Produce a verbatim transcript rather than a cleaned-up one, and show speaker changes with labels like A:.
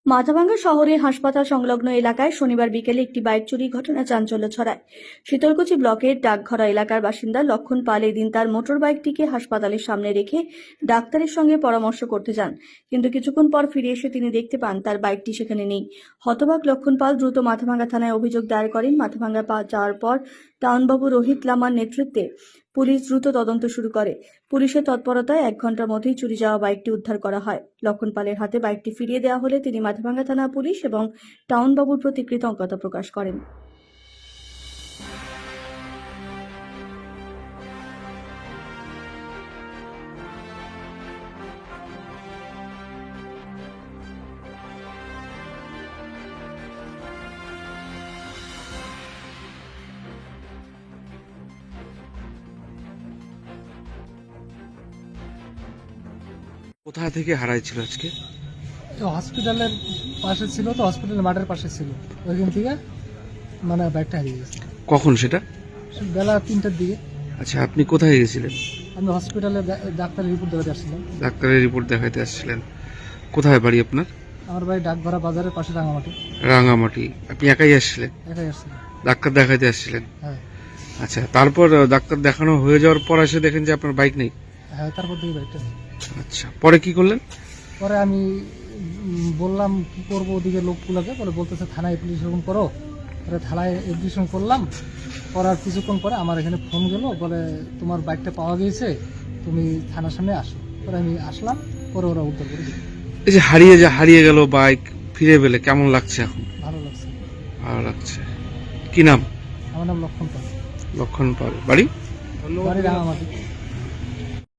A: মাথাভাঙ্গা শহরে হাসপাতাল সংলগ্ন এলাকায় শনিবার বিকেলে একটি বাইক চুরির ঘটনা চাঞ্চল্য ছড়ায়। শীতলকুচি ব্লকের ডাকঘরা এলাকার বাসিন্দা লক্ষণ পাল এদিন তার মোটর বাইকটিকে হাসপাতালের সামনে রেখে ডাক্তারের সঙ্গে পরামর্শ করতে যান, কিন্তু কিছুক্ষণ পর ফিরে এসে তিনি দেখতে পান তার বাইকটি সেখানে নেই। হতবাক লক্ষণ পাল দ্রুত মাথাভাঙ্গা থানায় অভিযোগ দায়ের করেন। মাথাভাঙ্গা যাওয়ার পর টাউনবাবু রোহিত লামার নেতৃত্বে পুলিশ দ্রুত তদন্ত শুরু করে। পুলিশের তৎপরতায় এক ঘন্টার মধ্যেই চুরি যাওয়া বাইকটি উদ্ধার করা হয়। লক্ষণ পালের হাতে বাইকটি ফিরিয়ে দেওয়া হলে তিনি মাথাভাঙ্গা থানা পুলিশ এবং টাউনবাবুর প্রতি কৃতজ্ঞতা প্রকাশ করেন।
B: কোথা থেকে হারাইছিল আজকে?
C: হসপিটালের পাশে ছিল, তো হসপিটালের মাঠের পাশে ছিল, ওইখান থেকে মানে বাইকটা হারিয়ে গেছে।
B: কখন সেটা?
C: বেলা তিনটার দিকে।
B: আচ্ছা, আপনি কোথায় গেছিলেন?
C: আমি হসপিটালে ডাক্তারের রিপোর্ট দেখাতে আসছিলাম।
B: ডাক্তারের রিপোর্ট দেখাতে আসছিলেন। কোথায় বাড়ি আপনার?
C: আমার বাড়ি ডাকঘরা বাজারের পাশে, রাঙামাটি।
B: রাঙামাটি। আপনি একাই আসছিলেন?
C: একাই আসছিলাম।
B: ডাক্তার দেখাতে আসছিলেন?
C: হ্যাঁ
B: আচ্ছা, তারপর ডাক্তার দেখানো হয়ে যাওয়ার পর এসে দেখেন যে আপনার বাইক নেই?
C: হ্যাঁ, তারপর থেকে বাইকটা নেই।
B: আচ্ছা, পরে কি করলেন?
C: পরে আমি উম, বললাম কি করবো, ওদিকে লোকগুলোকে পরে বলতেছে থানায় অ্যাপ্লিকেশন করো। পরে থানায় অ্যাপ্লিকেশন করলাম, করার কিছুক্ষণ পরে আমার এখানে ফোন গেল, বলে তোমার বাইকটা পাওয়া গিয়েছে, তুমি থানার সামনে আসো। পরে আমি আসলাম, পরে ওরা উদ্ধার করে দিল।
B: এই যে হারিয়ে যে হারিয়ে গেল বাইক ফিরে পেলে কেমন লাগছে এখন?
C: ভালো লাগছে।
B: ভালো লাগছে। কি নাম?
C: আমার নাম লক্ষণ পাল।
B: লক্ষণ পাল। বাড়ি?
C: বাড়ি রাঙামাটি।